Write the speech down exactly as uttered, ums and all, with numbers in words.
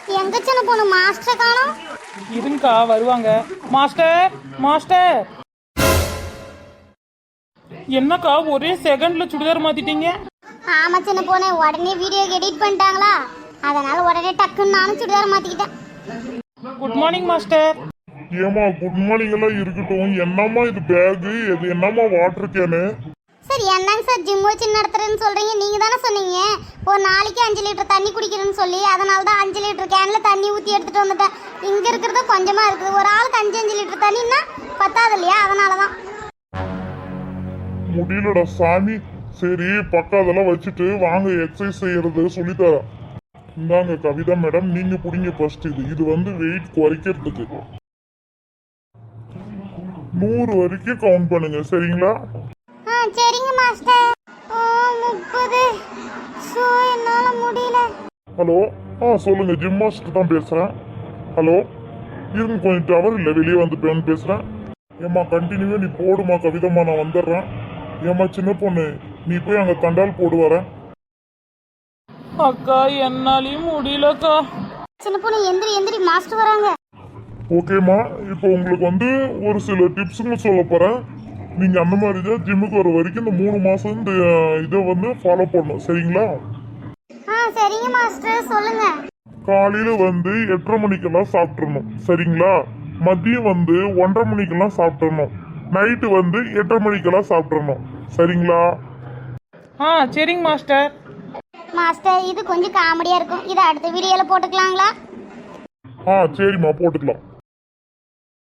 எங்க சின்ன பொண்ணு மாஸ்டர் காணோம். இருங்கக்கா வருவாங்க. மாஸ்டர் மாஸ்டர் என்னக்கா ஒரே செகண்ட்ல சுடிதார் மாத்திட்டீங்க? ஆமா சின்ன பொண்ணு, உடனே வீடியோ எடிட் பண்ணிட்டாங்களா, அதனால உடனே டக்குன்னு நானும் சுடிதார் மாத்திக்கிட்டேன். Good morning master. ஏமா குட் மார்னிங் எல்லாம் இருக்கட்டும். என்னம்மா இது பேகு, இது என்னம்மா வாட்டர் கேனு? சார் என்னங்க சார் ஜிம் வச்சு நடத்துறேன்னு சொல்றீங்க? நீங்க தானே சொன்னீங்க ஒரு நாளைக்கு அஞ்சு லிட்டர் தண்ணி குடிக்கிறேன்னு சொல்லி, அதனால தான் அஞ்சு லிட்டர் கேன்ல தண்ணி ஊற்றி எடுத்துட்டு வந்துட்டேன். இங்க இருக்கிறது கொஞ்சமா இருக்குது, ஒரு ஆளுக்கு அஞ்சு அஞ்சு லிட்டர் தண்ணின்னா பத்தாது இல்லையா, அதனால தான். முடியலடா சாமி. சரி பக்கம் அதெல்லாம் வச்சுட்டு வாங்க எக்ஸசைஸ் செய்யறது சொல்லித்தரேன். இந்தாங்க கவிதா மேடம், நீங்க புடிங்க ஃபர்ஸ்ட். இது இது வந்து வெயிட் குறைக்கிறதுக்கு நூறு வரைக்கும் கவுண்ட் பண்ணுங்க, சரிங்களா? ஆ சரிங்க மாஸ்டர். ஓ முப்பது. ஸோ என்னால முடியல. ஹலோ, ஆ சொல்லுங்க, ஜிம் மாஸ்டர் தான் பேசுறேன். ஹலோ, இருங்க கொஞ்சம் டவர் இல்லை, வெளியே வந்து பேசுறேன். ஏம்மா கண்டினியூவா நீ போடுமா கவிதம்மா, நான் வந்துடுறேன். ஏம்மா சின்ன பொண்ணு, நீ போய் அங்கே தண்டால் போடு வர. அக்கா என்னாலையும் முடியலக்கா. சின்ன பொண்ணு எந்திரி எந்திரி, மாஸ்டர் வராங்க. ஓகேம்மா, இப்போ உங்களுக்கு வந்து ஒரு சில டிப்ஸுங்க சொல்ல போகிறேன். நீங்கள் அந்த மாதிரி தான் ஜிம்முக்கு வர வரைக்கும் இந்த மூணு மாதம் இந்த இதை வந்து ஃபாலோ பண்ணணும், சரிங்களா? ஆ சரிங்க மாஸ்டர், சொல்லுங்க. காலையில் வந்து எட்டரை மணிக்கெல்லாம் சாப்பிட்றணும், சரிங்களா? மதியம் வந்து ஒன்றரை மணிக்கெல்லாம் சாப்பிட்றணும். நைட்டு வந்து எட்டரை மணிக்கெல்லாம் சாப்பிட்றணும், சரிங்களா? ஆ சரிங்க மாஸ்டர். மாஸ்டர் இது கொஞ்சம் காமெடியா இருக்கும், இதை அடுத்த வீடியோல போட்டுக்கலாங்களா? ஆ சரிம்மா போட்டுக்கலாம்.